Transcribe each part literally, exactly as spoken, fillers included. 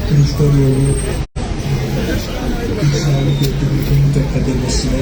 Kılıçdaroğlu İsrail'i götürürken akademisiyle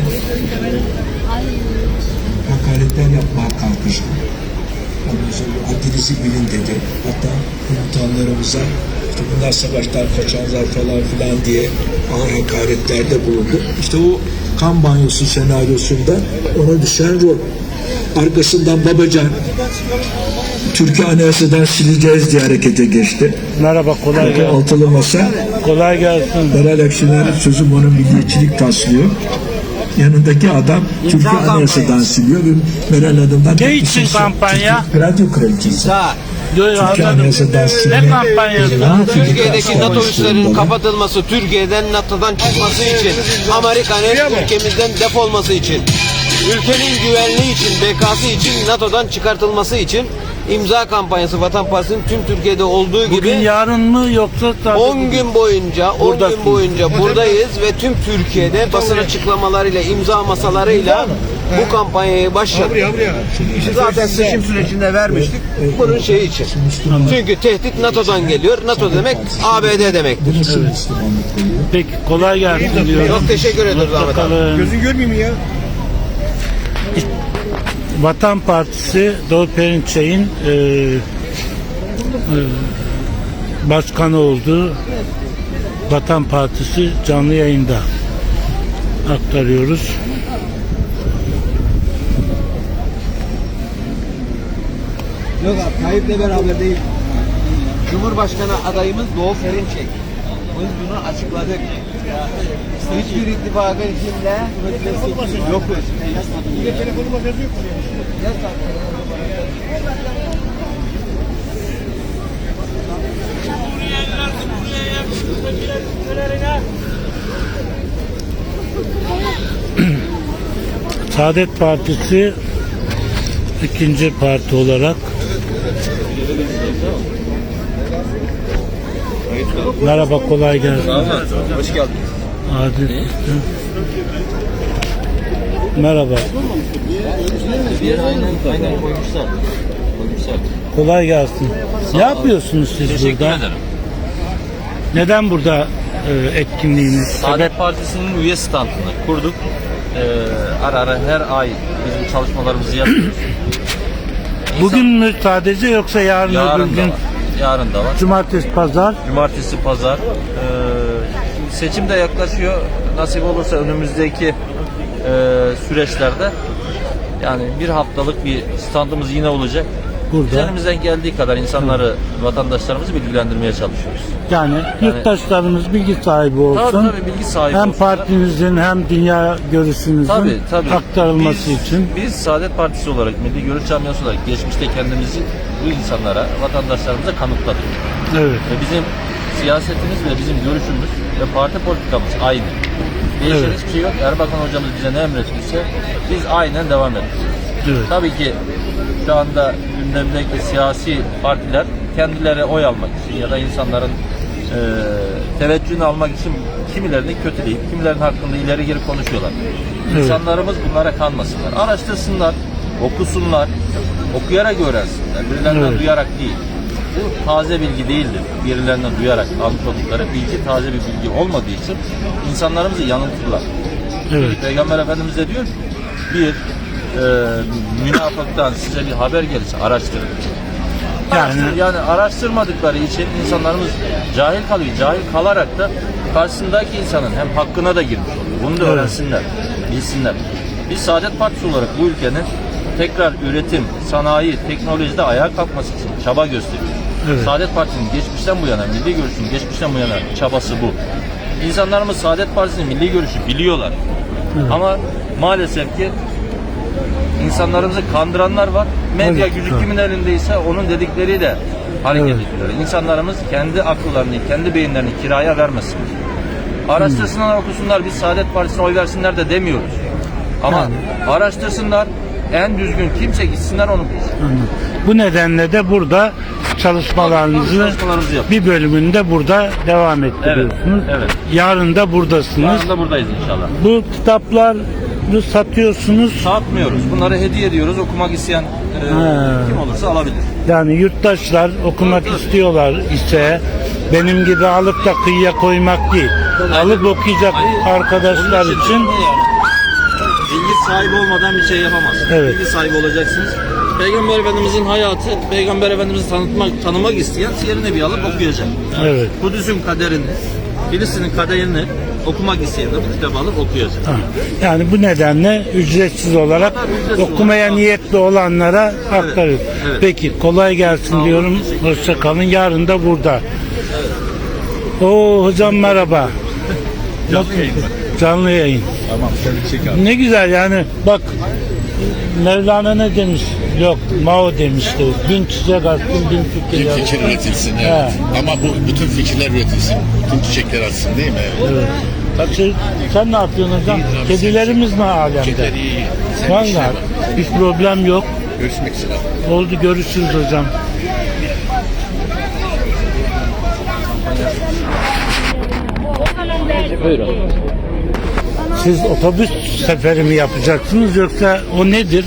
hakaretler yapmaya kalkıştı. Ondan sonra adınızı bilin dedi. Hatta komutanlarımıza işte bunlar savaştan kaçanlar falan filan diye ağır hakaretlerde bulundu. İşte o kan banyosu senaryosunda ona düşen rol. Arkasından Babacan Türkiye Anayasa'dan sileceğiz diye harekete geçti. Merhaba, kolay gelsin. Altılı masa. Kolay gelsin. Meral Akşener'in sözü bana milliyetçilik taslıyor. Yanındaki adam Türkiye Anayasa'dan siliyor ve Meral Hanım'dan... Ne için kampanya? Radyo kraliçesi. Türkiye Anayasa'dan silme. Ne kampanyası? Türkiye'deki NATO üslerinin kapatılması, Türkiye'den NATO'dan çıkması için, Amerika'nın ülkemizden defolması için, ülkenin güvenliği için, bekası için, NATO'dan çıkartılması için imza kampanyası Vatan Partisi'nin tüm Türkiye'de olduğu gibi Bugün yarın mı yoksa sadece on gün boyunca on Buradasın. gün boyunca buradayız ve tüm Türkiye'de basın açıklamalarıyla, imza masalarıyla bu kampanyayı başlattık. Zaten seçim sürecinde vermiştik. Bunun şeyi için. Çünkü tehdit NATO'dan geliyor. NATO demek A B D demektir. Peki, kolay gelsin diyorum. Çok teşekkür ederiz Ahmet abi. Bakalım. Gözün görmeyeyim mi ya? Vatan Partisi Doğu Perinçek'in e, e, başkanı oldu. Vatan Partisi canlı yayında aktarıyoruz. Yok abi, Tayyip'le beraber değil. Cumhurbaşkanı adayımız Doğu Perinçek. Biz bunu açıkladık. Hiçbir ittifakın içinde yokuz. Telefonuma yazıyor mu? Saadet Partisi ikinci parti olarak. Merhaba, kolay gelsin. Hoş geldin. Adil. Merhaba. Aynen, aynen koymuşlar. Koymuşlar. Kolay gelsin. Ne yapıyorsunuz siz Teşekkür burada? ederim. Neden burada e, etkinliğiniz? Sebep? Saadet Partisi'nin üye standını kurduk. Ee, ara ara her ay bizim çalışmalarımızı yapıyoruz. Bugün mü sadece yoksa yarın, Yarın öbür da gün? var. Yarın da var. Cumartesi, pazar. Cumartesi, pazar. Ee, şimdi seçim de yaklaşıyor. Nasip olursa önümüzdeki e, süreçlerde yani bir haftalık bir standımız yine olacak. Biz Burada. elimizden geldiği kadar insanları, vatandaşlarımızı bilgilendirmeye çalışıyoruz. Yani yurttaşlarımız bilgi sahibi olsun. Tabii tabii bilgi sahibi Hem olsunlar. partinizin hem dünya görüşünüzün Tabii, tabii. aktarılması biz, için. Biz Saadet Partisi olarak, Milli Görüş Camiası olarak geçmişte kendimizi bu insanlara, vatandaşlarımıza kanıtladık. Evet. Ve bizim siyasetimiz ve bizim görüşümüz ve parti politikamız aynı. Değişen Evet. hiçbir şey yok. Erbakan hocamız bize ne emretmişse biz aynen devam ediyoruz. Evet. Tabii ki şu anda gündemdeki siyasi partiler kendileri oy almak için ya da insanların e, teveccühünü almak için kimilerini kötüleyip kimilerinin hakkında ileri geri konuşuyorlar. Evet. İnsanlarımız bunlara kanmasınlar. Araştırsınlar, okusunlar, okuyarak öğrensinler. Birilerinden Evet. duyarak değil. Bu taze bilgi değildir. Birilerinden duyarak almış oldukları bilgi taze bir bilgi olmadığı için insanlarımızı yanıltırlar. Evet. Peygamber Efendimiz de diyor ki bir e, münafıktan size bir haber gelirse araştırın. Yani Yani araştırmadıkları için insanlarımız cahil kalıyor. Cahil kalarak da karşısındaki insanın hem hakkına da girmiş oluyor. Bunu da Evet. öğrensinler, bilsinler. Biz Saadet Partisi olarak bu ülkenin tekrar üretim, sanayi, teknolojide ayağa kalkması için çaba gösteriyoruz. Evet. Saadet Partisi'nin geçmişten bu yana, milli görüşün geçmişten bu yana çabası bu. İnsanlarımız Saadet Partisi'nin milli görüşü biliyorlar. Evet. Ama maalesef ki insanlarımızı kandıranlar var. Medya Evet, gücü evet. kimin elindeyse onun dedikleriyle hareket Evet. ediyorlar. İnsanlarımız kendi akıllarını, kendi beyinlerini kiraya vermesin. Araştırsınlar, okusunlar, biz Saadet Partisi'ne oy versinler de demiyoruz. Ama Yani. araştırsınlar, en düzgün kimse gitsinler onu bulsun. anladım. Bu nedenle de burada çalışmalarınızı Çalışmalarımızı yapıyoruz. bir bölümünde burada devam ettiriyorsunuz. Evet, evet. Yarın da buradasınız. Yarın da buradayız inşallah. Bu kitaplar karşılıklı satıyorsunuz. Satmıyoruz. Bunları hediye ediyoruz. Okumak isteyen e, Ha. kim olursa alabilir. Yani yurttaşlar okumak istiyorlar ise benim gibi alıp da kıyıya koymak değil. Alıp okuyacak arkadaşlar Onun için yani bilgi sahibi olmadan bir şey yapamazsınız. Evet. Bilgi sahibi olacaksınız. Peygamber Efendimizin hayatı, Peygamber Efendimiz'i tanıtmak, tanımak isteyen Siyer-i Nebi alıp okuyacak. evet. Kudüs'ün kaderini, Filistin'in kaderini okumak isteyen de bu kitabı alıp okuyacak. Ha. Yani bu nedenle ücretsiz olarak ücretsiz okumaya olarak niyetli olanlara aktarıyoruz. evet. Peki kolay gelsin olun, diyorum. teşekkür Hoşça kalın. Yarın da burada. Oo hocam merhaba. Canlı yayın. Canlı yayın. Tamam, sen çek abi. Ne güzel yani bak Mevlana ne demiş? Yok Mao demişti. Bin çiçek açsın bin fikir Bir yazsın. fikir üretilsin, evet. He. Ama bu bütün fikirler üretilsin. Bütün çiçekler açsın değil mi? Evet. Evet. Şey, sen ne yapıyorsun hocam? İyidir abi, Kedilerimiz ne alemde? Kediler iyi. Sen bir şey Vallahi var. hiç problem yok. Görüşmek üzere abi. Oldu görüşürüz hocam. Buyurun. Siz otobüs seferi mi yapacaksınız yoksa o nedir?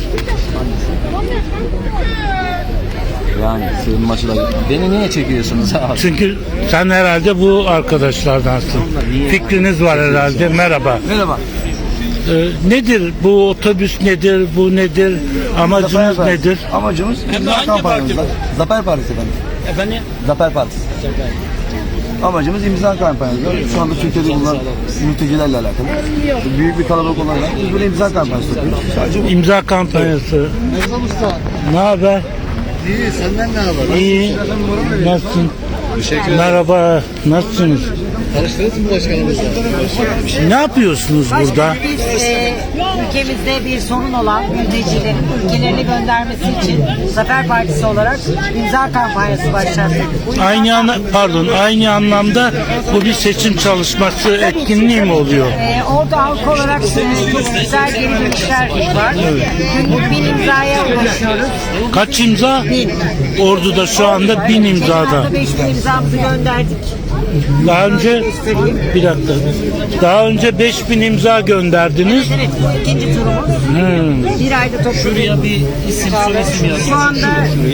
Yani sığınmacılar. Beni niye çekiyorsunuz abi? Çünkü sen herhalde bu arkadaşlardansın. Fikriniz var herhalde. Merhaba. Merhaba. Ee, nedir bu otobüs nedir? Bu nedir? Amacınız Zafer nedir? Partisi. Amacımız imza kampanyamızda. Zafer Partisi efendim. Efendim? Zafer Partisi. Amacımız imza kampanyası. Şu anda Türkiye'de bulunan mültecilerle alakalı. Büyük bir kalabalık olarak biz böyle imza kampanyası yapıyoruz. Sadece bu. İmza kampanyası. Ne haber? İyi, senden ne haber? İyi. Nasılsın? Teşekkür ederim. Merhaba. Nasılsınız? Tanıştınız mı başkanımızla? Ne yapıyorsunuz burada? Biz e, ülkemizde bir sorun olan mültecilerin ülkelerine göndermesi için Zafer Partisi olarak imza kampanyası başlattık. Bu imza Aynı ana, pardon aynı anlamda bu bir seçim çalışması etkinliği mi oluyor? E, orada halk olarak e, çok güzel geri dönüşler var. Günlük bin imzaya ulaşıyoruz. Kaç imza? Bin. Ordu'da şu anda bin Geçen imzada. hafta beş bin imzamızı gönderdik. Daha önce bir dakika. Daha önce beş bin imza gönderdiniz. Evet, bu ikinci turumuz. Hmm, Bir ayda topladık. Şuraya bir isim soyisim yazın. Şu anda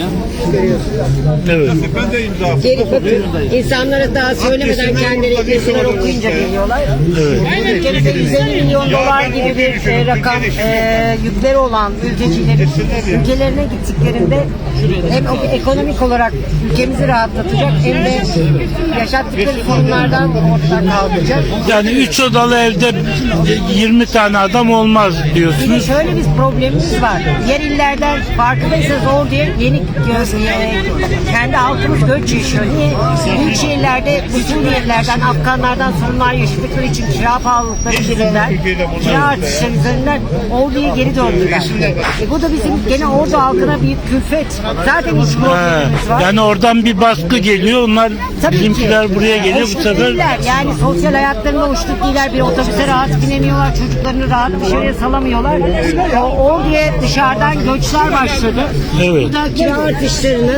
evet. geri bakın. İnsanlara daha söylemeden kendileri yazılar okuyunca geliyorlar. Evet. Ülkemizde yüz elli milyon dolar gibi bir e, rakam e, yükleri olan mültecilerin ülkelerine gittiklerinde hem o- ekonomik olarak ülkemizi rahatlatacak hem de yaşattıkları sorunlardan ortadan kalkacak. Yani üç odalı evde yirmi tane adam olmaz Bir de diyorsunuz. şöyle bir problemimiz var. Diğer illerden farkındaysanız orada yeni gö- e, kendi halkımız göç yaşıyor. Niye? Büyük şehirlerde bu Suriyelilerden, Afganlardan sorunlar yaşadıkları için kira pahalılıkları yüzünden, kira artışları yüzünden orduya geri döndüler. E, bu da bizim gene ordu halkına bir külfet. Zaten iç Ha, problemimiz var. yani oradan bir baskı geliyor. Onlar Tabii bizimkiler ki. buraya geliyor bu Hoşnut sefer. değiller. Yani sosyal hayatlarında hoşnut değiller. Bir otobüse rahat binemiyorlar. Çocuklarını rahat dışarıya salamıyorlar. O, oraya dışarıdan göçler başladı. Evet. Bu da kira artışlarını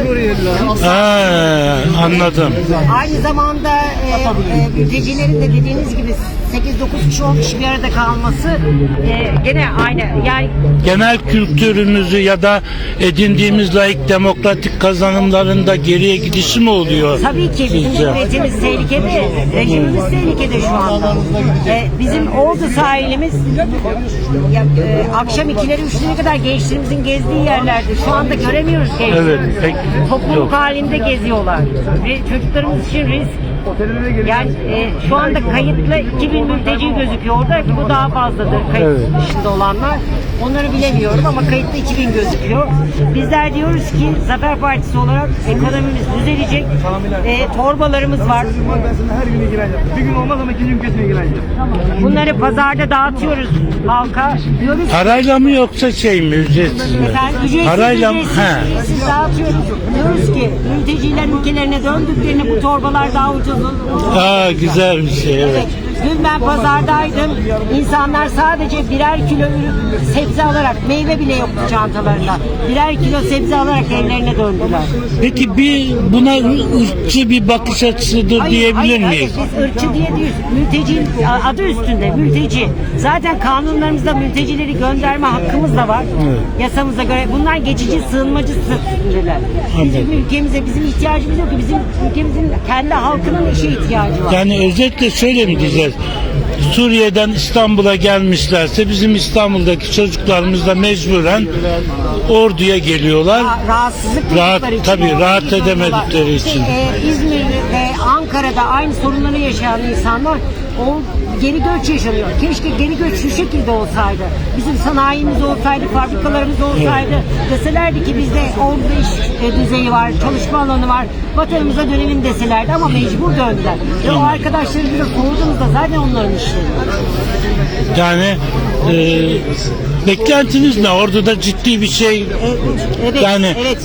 Ha, anladım. aynı zamanda e, e, mültecilerin de dediğiniz gibi sekiz dokuz kişi on kişi bir arada kalması e, gene aynı. Yani Genel kültürümüzü ya da edindiğimiz laik demokratik kazanımlarında geriye gidişi mi oluyor? tabii ki bizim sizce? cumhuriyetimiz tehlikede, rejimimiz tehlikede şu anda. E, bizim Ordu sahilimiz ya, e, akşam ikileri üçlere kadar gençlerimizin gezdiği yerlerde şu anda göremiyoruz gençleri. Evet, pek Topluluk yok. halinde geziyorlar. Ve çocuklarımız için risk. Yani e, şu anda kayıtlı iki bin mülteci gözüküyor orada. Bu daha fazladır kayıt Evet. dışında olanlar. Onları bilemiyorum ama kayıtlı iki bin gözüküyor. Bizler diyoruz ki Zafer Partisi olarak ekonomimiz düzelecek. E, torbalarımız var. Ben sana her gün ilgileneceğim. Bir gün olmaz ama ikinci gün kesin ilgileneceğim. Bunları pazarda dağıtıyoruz halka. Diyoruz ki Parayla mı yoksa şey mi ücretsiz mi? efendim, ücretsiz, Parayla mı? ücretsiz, He. ücretsiz dağıtıyoruz. Diyoruz ki mülteciler ülkelerine döndüklerinde bu torbalar daha ucuz olur. Aa güzel bir şey evet. Dün ben pazardaydım. İnsanlar sadece birer kilo ürün, sebze alarak, meyve bile yoktu çantalarında. Birer kilo sebze alarak evlerine döndüler. Peki bir buna ırkçı bir bakış açısıdır Hayır, diyebilir hayır, miyiz? hayır. Biz ırkçı diye değil. Mülteci adı üstünde mülteci. Zaten kanunlarımızda mültecileri gönderme hakkımız da var. Evet. Yasamıza göre. Bunlar geçici sığınmacı statüsündeler. Bizim Anladım. ülkemize bizim ihtiyacımız yok ki. Bizim ülkemizin kendi halkının işe ihtiyacı var. Yani özetle şöyle mi diyeceğiz? Suriye'den İstanbul'a gelmişlerse bizim İstanbul'daki çocuklarımız da mecburen orduya geliyorlar. Ra- rahatsızlık Rahat- duydukları için tabii, orada rahat gidiyorlar. edemedikleri İşte, için. e, İzmir ve Ankara'da aynı sorunları yaşayan insanlar o geri göç yaşanıyor. Keşke geri göç şu şekilde olsaydı. Bizim sanayimiz olsaydı, fabrikalarımız olsaydı. Deselerdi ki bizde orada iş e, düzeyi var, çalışma alanı var. Vatanımıza dönelim deselerdi ama mecbur döndüler. Ve o arkadaşlarımıza sorduğumuzda zaten onların işleri. Yani e, beklentiniz ne? Orada da ciddi bir şey. Evet, evet, Yani- evet.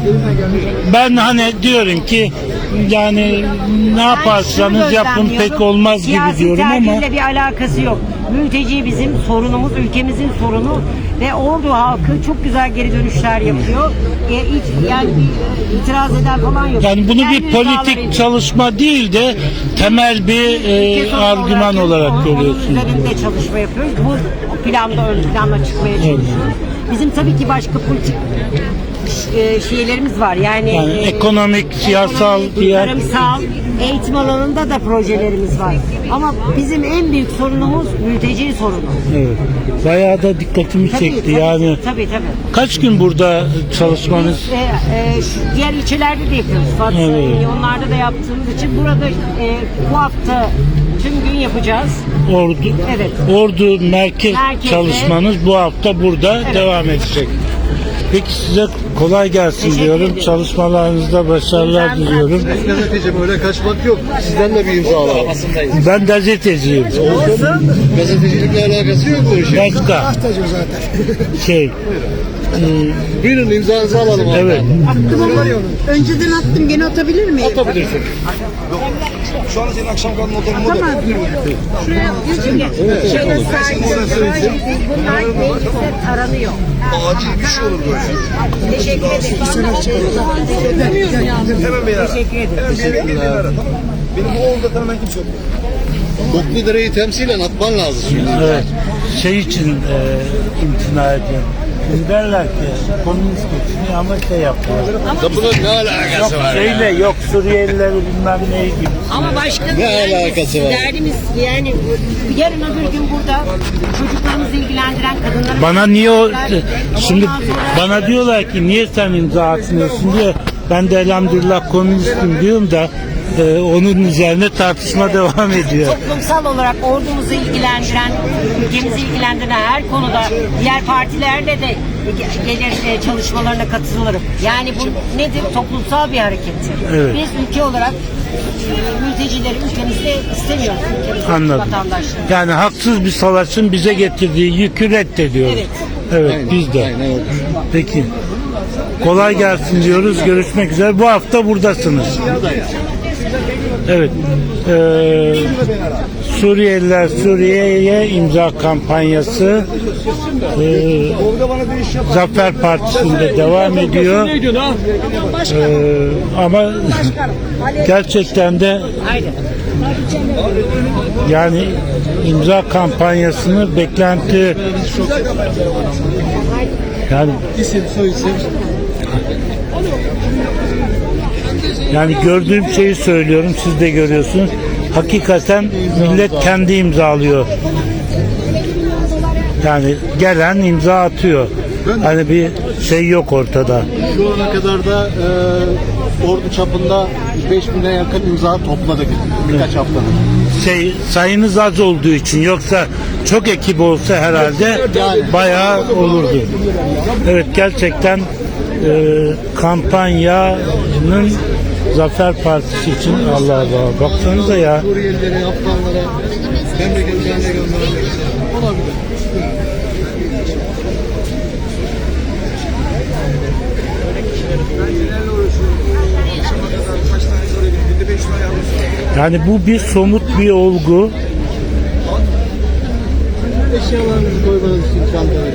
Ben hani diyorum ki yani ne yaparsanız Ben şunu yapın gözlemliyorum. pek olmaz gibi Siyasi diyorum ama tercihle bir alakası yok. Mülteci bizim sorunumuz, ülkemizin sorunu ve Ordu halkı çok güzel geri dönüşler yapıyor. E, hiç, yani bir itiraz eden falan yok. yani bunu Kendi bir rızaları politik için. çalışma değil de temel bir Ülke e, sorunu argüman olarak onun- görüyorsunuz. Onun üzerinde çalışma yapıyoruz. Bu planda ön plana çıkmaya çalışıyoruz. Bizim tabii ki başka politik e, şeylerimiz var. Yani, Yani e, ekonomik, siyasal, ekonomik, diğer- tarımsal, eğitim alanında da projelerimiz var. Ama bizim en büyük sorunumuz mülteci sorunu. Evet. Bayağı da dikkatimi Tabii, çekti. tabii, Yani tabii tabii. kaç gün burada çalışmanız? Biz e, e, şu diğer ilçelerde de yapıyoruz. Fatsa, Evet. onlarda da yaptığımız için burada e, bu hafta tüm gün yapacağız. Ordu, Evet. Ordu merkez Merkezde. çalışmanız bu hafta burada Evet. devam edecek. Peki size kolay gelsin Teşekkür diyorum. ederim. Çalışmalarınızda başarılar Ben- diliyorum. Gazeteci böyle kaçmak yok. Sizden de bir imza alalım. Ben gazeteciyim. Gazetecilikle alakası yok bu işin. Başka. Şey. Buyurun imzanızı alalım. abi. Evet. Önceden attım, gene atabilir miyim? Atabilirsin. Şu an senin akşam kalma odanın Tamam. Şuraya Şöyle saygı, bunlar mecliste taranıyor. acil bir şey olur böyle. Teşekkür ederim. Hemen beni ara. Teşekkür ederim. Hemen bir yere gidin ara. Benim bu oğulda tanımayan kimse yok. Kokludere'yi temsilen atman lazım şimdi. Evet. Şey için e, imtina ediyorum. Şimdi derler ki komünist geçiniyor ama şey yapıyor. Da bunun ne alakası var ya? Şeyle yok Suriyelileri bilmem ne gibi. Ama başka Ne yani alakası var? derdimiz yani yarın öbür gün burada çocuklarımızı ilgilendiren kadınları Bana niye o şimdi Ondan sonra- bana diyorlar ki niye sen imza atmıyorsun diye ben de elhamdülillah komünistim diyorum da e, onun üzerine tartışma devam ediyor. toplumsal olarak ordumuzu ilgilendiren, ülkemizi ilgilendiren her konuda diğer partilerle de gelir e, çalışmalarına katılırım. Yani bu nedir? Toplumsal bir harekettir. Evet. Biz ülke olarak e, mültecileri ülkemizde istemiyoruz. Ülkemizde Anladım. vatandaşları. Yani haksız bir savaşın bize getirdiği yükü reddediyoruz. Evet. Evet biz de. Aynen öyle. Peki. Kolay gelsin diyoruz. Görüşmek üzere. Bu hafta buradasınız. Evet. Ee, Suriyeliler Suriye'ye imza kampanyası ee, Zafer Partisi'nde devam ediyor. Ee, ama gerçekten de yani imza kampanyasını beklenti yani İsim, soyisim. yani gördüğüm şeyi söylüyorum, siz de görüyorsunuz. Hakikaten millet kendi imzalıyor. Yani gelen imza atıyor. Hani bir şey yok ortada. Şu ana kadar da e, ordu çapında beş bine yakın imza topladık birkaç haftadır. Şey sayınız az olduğu için, yoksa çok ekip olsa herhalde bayağı olurdu. Evet, gerçekten e, kampanyanın Zafer Partisi için Allah Allah. Baksanıza ya. Suriyelilere, Afganlara, memleketlerine göndermek olabilir. Yani bu bir somut bir olgu. Eşyalarınızı koymanız için çantaya.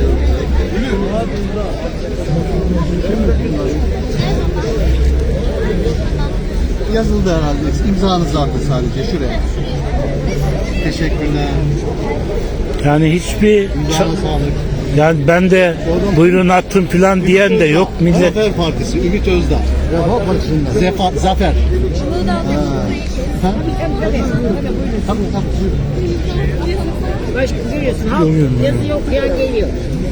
Yazıldı herhalde. İmzanızı attı sadece şuraya. Teşekkürler. Yani hiçbir İmzana sağlık. yani ben de buyurun atın falan diyen de yok millet. Zafer Partisi, Ümit Özdağ. Refah Partisi'nden. Zefa, Zafer. Ha. Ha? Tamam, tamam. Başka görüyorsun. Halk yazı okuyan geliyor.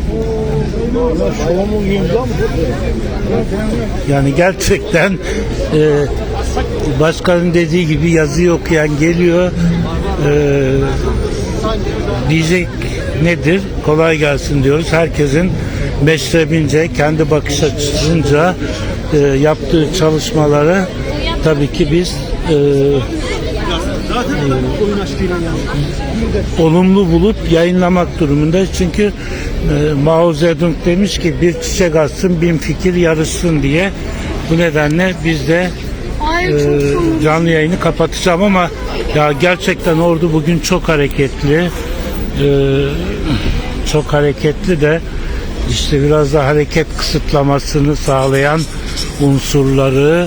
Yani gerçekten e, başkanın dediği gibi yazıyı okuyan geliyor. E, diyecek nedir? Kolay gelsin diyoruz. Herkesin meşrebince, kendi bakış açısınca e, yaptığı çalışmaları tabii ki biz e, olumlu bulup yayınlamak durumundayız. Çünkü e, Mao Zedong demiş ki bir çiçek açsın bin fikir yarışsın diye. Bu nedenle biz de e, canlı yayını kapatacağım ama ya gerçekten ordu bugün çok hareketli. E, çok hareketli de işte biraz da hareket kısıtlamasını sağlayan unsurları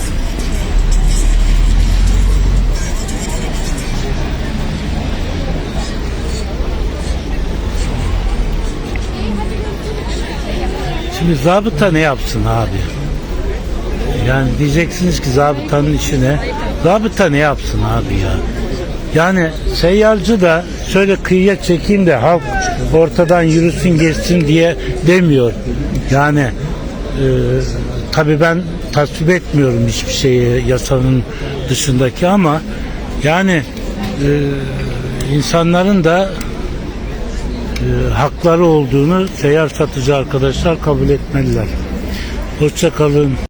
Şimdi zabıta ne yapsın abi? Yani diyeceksiniz ki zabıtanın işine. Zabıta ne yapsın abi ya? Yani seyyarcı da şöyle kıyıya çekeyim de halk ortadan yürüsün geçsin diye demiyor. Yani e, tabii ben tasvip etmiyorum hiçbir şeyi yasanın dışındaki ama yani e, insanların da e, hakları olduğunu seyyar satıcı arkadaşlar kabul etmeliler. Hoşça kalın.